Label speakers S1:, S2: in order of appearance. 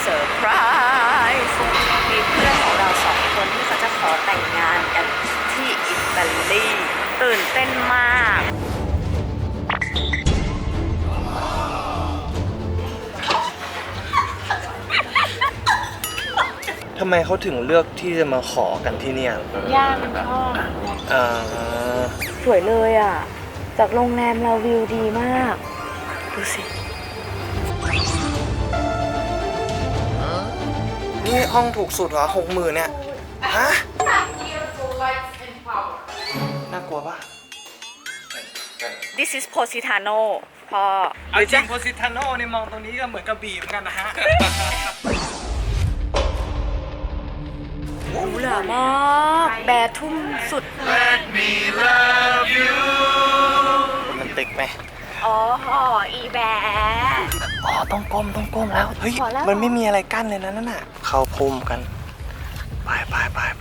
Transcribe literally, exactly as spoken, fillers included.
S1: เซอร์ไพรส์มีเพื่อนของเราสองคนที่เขาจะขอแต่งงานกันที่อิตาลีตื่นเต้นมาก
S2: ทำไมเขาถึงเลือกที่จะมาขอกันที่เนี่ย
S1: ย่ามันชอบ
S2: อ่า
S1: สวยเลยอ่ะ จากโรงแรมเราวิวดีมาก ดูสิ
S2: นี่ห้องถูกสุดเหรอหกหมื่นเนี่ย ฮะ น่ากลัวปะ
S1: This is Positano พ่อ
S2: เอาจริงโพสิทาโน่นี่มองตรงนี้ก็เหมือนกระบี่เหมือนกันนะฮะ
S1: หรูหรามากแบร์ทุ่มสุด
S2: มันติกไหม
S1: อ๋ออีแบร์
S2: อ๋อ ต้องก้ม ต้องก้มแล้ว เฮ้ย
S1: พอแล้ว
S2: มันไม่มีอะไรกั้นเลยนะนั่นน่ะ เข้าพุ่มกัน ไปไปไป